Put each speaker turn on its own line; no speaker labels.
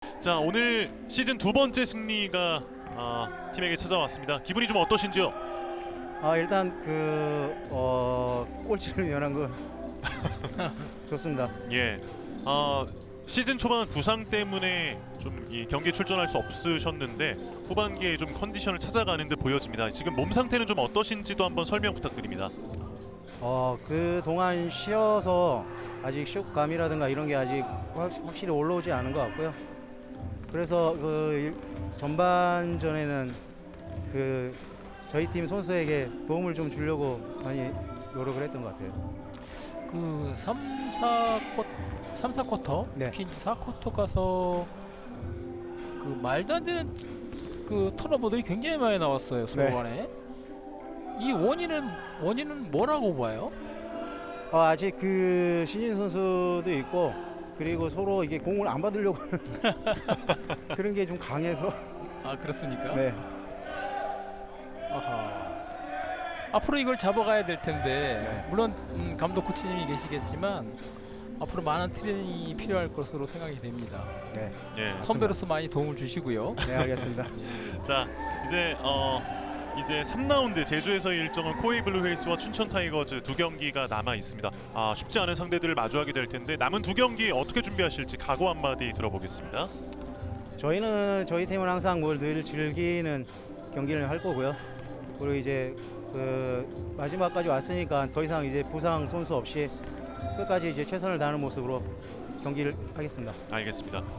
자, 오늘 시즌 두 번째 승리가 팀에게 찾아왔습니다. 기분이 좀 어떠신지요?
일단 꼴찌를 면한 거 좋습니다.
예. 시즌 초반 부상 때문에 좀 이 경기에 출전할 수 없으셨는데 후반기에 좀 컨디션을 찾아가는 듯 보여집니다. 지금 몸 상태는 좀 어떠신지도 한번 설명 부탁드립니다.
그 동안 쉬어서 아직 슛감이라든가 이런 게 아직 확실히 올라오지 않은 것 같고요. 그래서 전반전에는 저희 팀 선수에게 도움을 좀 주려고 많이 노력을 했던 것 같아요.
그 3, 4쿼터,
네.
특히 4쿼터 가서 그 말도 안 되는 그 턴오버들이 굉장히 많이 나왔어요, 서로
네.
간에. 이 원인은 뭐라고 봐요?
아직 신인 선수도 있고, 그리고 서로 이게 공을 안 받으려고 하는 그런 게 좀 강해서.
아, 그렇습니까?
네.
아하. 앞으로 이걸 잡아가야 될 텐데,
네.
물론 감독 코치님이 계시겠지만 앞으로 많은 트레이닝이 필요할 것으로 생각이 됩니다.
네.
예.
선배로서 많이 도움을 주시고요.
네, 알겠습니다.
자, 이제 3라운드 제주에서의 일정은 코웨이 블루 웨일스와 춘천 타이거즈 두 경기가 남아 있습니다. 쉽지 않은 상대들을 마주하게 될 텐데 남은 두 경기 어떻게 준비하실지 각오 한마디 들어보겠습니다.
저희 팀은 항상 늘 즐기는 경기를 할 거고요. 그리고 이제 마지막까지 왔으니까 더 이상 이제 부상 선수 없이 끝까지 이제 최선을 다하는 모습으로 경기를 하겠습니다.
알겠습니다.